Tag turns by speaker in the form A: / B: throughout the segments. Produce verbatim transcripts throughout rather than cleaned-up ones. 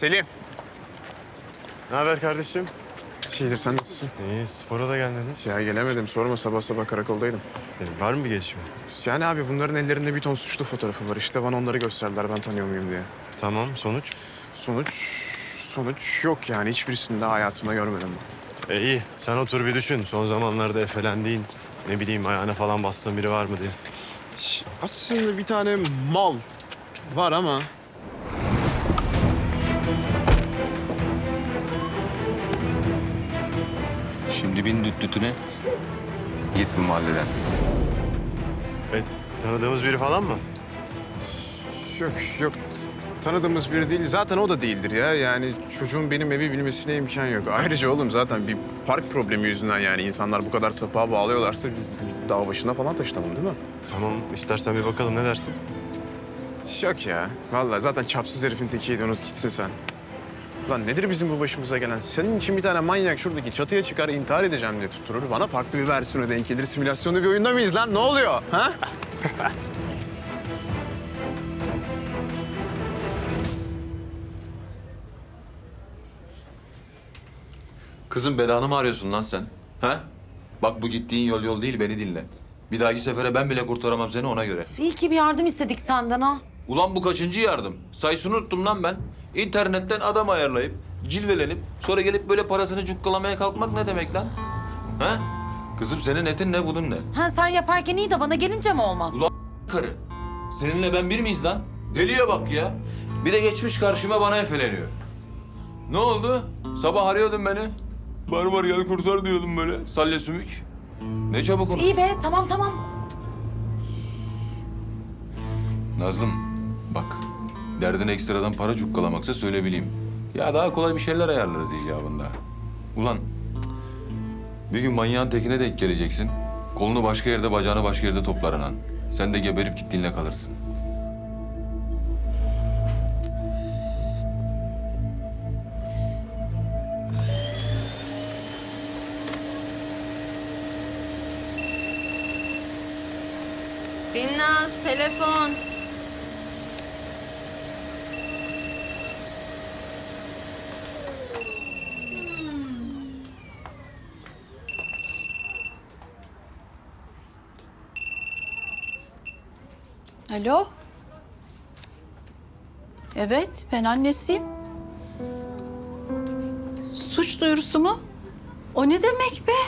A: Selim.
B: Ne haber kardeşim?
A: Şeydir, sen nasılsın?
B: İyi, spora da gelmedin.
A: Ya gelemedim, sorma, sabah sabah karakoldaydım.
B: Benim var mı bir gelişme?
A: Yani abi bunların ellerinde bir ton suçlu fotoğrafı var. İşte bana onları gösterdiler, ben tanıyor muyum diye.
B: Tamam, sonuç?
A: Sonuç, sonuç yok yani. Hiçbirisini daha hayatımda görmedim.
B: E iyi, sen otur bir düşün. Son zamanlarda efelendiğin, ne bileyim ayağına falan bastığın biri var mı diye.
A: Şş, Aslında bir tane mal var ama...
C: Şimdi bin düt dütüne. Git bu mahalleden.
B: E, tanıdığımız biri falan mı?
A: Yok, yok. Tanıdığımız biri değil. Zaten o da değildir ya. Yani çocuğun benim evi bilmesine imkan yok. Ayrıca oğlum zaten bir park problemi yüzünden yani insanlar bu kadar sapığa bağlıyorlarsa biz dağ başına falan taşınalım değil mi?
B: Tamam, istersen bir bakalım, ne dersin?
A: Yok ya. Vallahi zaten çapsız herifin tekiydi, unut gitsin sen. Lan nedir bizim bu başımıza gelen? Senin için bir tane manyak şuradaki çatıya çıkar intihar edeceğim diye tutturur. Bana farklı bir versiyonu denk gelir. Simülasyonda bir oyunda mıyız lan? Ne oluyor? Ha?
D: Kızım belanı mı arıyorsun lan sen? Ha? Bak bu gittiğin yol yol değil, beni dinle. Bir dahaki sefere ben bile kurtaramam seni, ona göre.
E: İyi ki bir yardım istedik senden ha.
D: Ulan bu kaçıncı yardım? Sayısını unuttum lan ben. İnternetten adam ayarlayıp, cilvelenip, sonra gelip böyle parasını cukkalamaya kalkmak ne demek lan? Ha? Kızım senin etin ne, budun ne?
E: Ha sen yaparken iyi de bana gelince mi olmaz?
D: Ulan karı. Seninle ben bir miyiz lan? Deliye bak ya. Bir de geçmiş karşıma bana efeleniyor. Ne oldu? Sabah arıyordun beni. Barbar gel kurtar diyordum böyle. Salya sümük. Ne çabuk onu.
E: İyi be tamam tamam.
D: Nazlım bak. Derdin ekstradan para cukkalamaksa söyle bileyim. Ya daha kolay bir şeyler ayarlarız icabında. Ulan cık, bir gün manyağın tekine denk geleceksin. Kolunu başka yerde, bacağını başka yerde toplar anan. Sen de geberip gittiğinle kalırsın.
F: Binnaz, telefon.
G: Alo? Evet, ben annesiyim. Suç duyurusu mu? O ne demek be?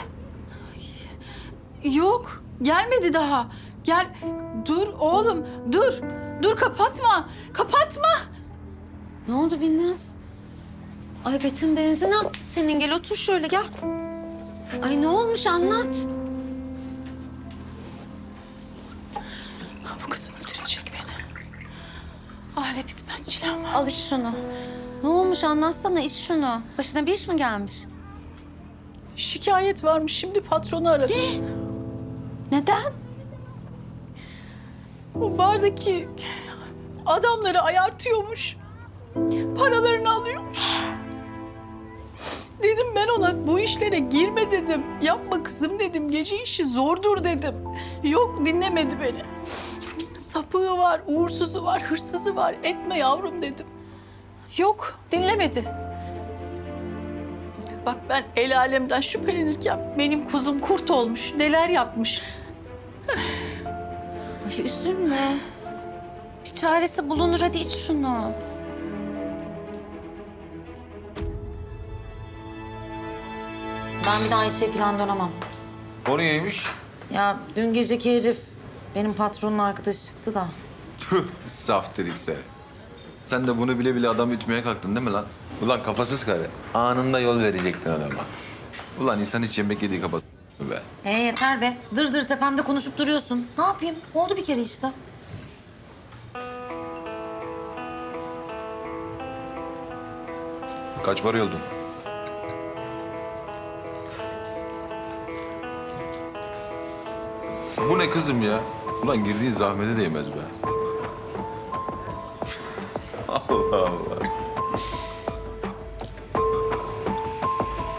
G: Yok, gelmedi daha. Gel, dur oğlum, dur. Dur, kapatma, kapatma.
F: Ne oldu Binnaz? Ay Betim benzin attı senin. Gel otur şöyle gel. Ay ne olmuş anlat.
G: Bu kız öldürecek beni. Aile bitmez çilem var.
F: Al iç şunu. Ne olmuş anlatsana, iç şunu. Başına bir iş mi gelmiş?
G: Şikayet varmış, şimdi patronu aradı.
F: Neden?
G: Bu bardaki adamları ayartıyormuş. Paralarını alıyormuş. Dedim ben ona bu işlere girme dedim. Yapma kızım dedim. Gece işi zordur dedim. Yok dinlemedi beni. Sapığı var, uğursuzu var, hırsızı var. Etme yavrum dedim. Yok dinlemedi. Bak ben el alemden şüphelenirken benim kuzum kurt olmuş. Neler yapmış.
F: Ay üzülme. Bir çaresi bulunur, hadi iç şunu.
E: Ben bir daha işe falan dönemem.
D: O niyeymiş?
E: Ya dün geceki herif benim patronun arkadaşı çıktı da.
D: Tüh, saf dedikse. Sen de bunu bile bile adam ütmeye kalktın değil mi lan? Ulan kafasız karı. Anında yol verecektin adama. Ulan insan hiç yemek yediği kafası be.
E: He yeter be. Dır dır tepemde konuşup duruyorsun. Ne yapayım? Oldu bir kere işte.
D: Kaç para yoldun? Bu ne kızım ya? Ulan girdiğin zahmete değmez be. Allah Allah.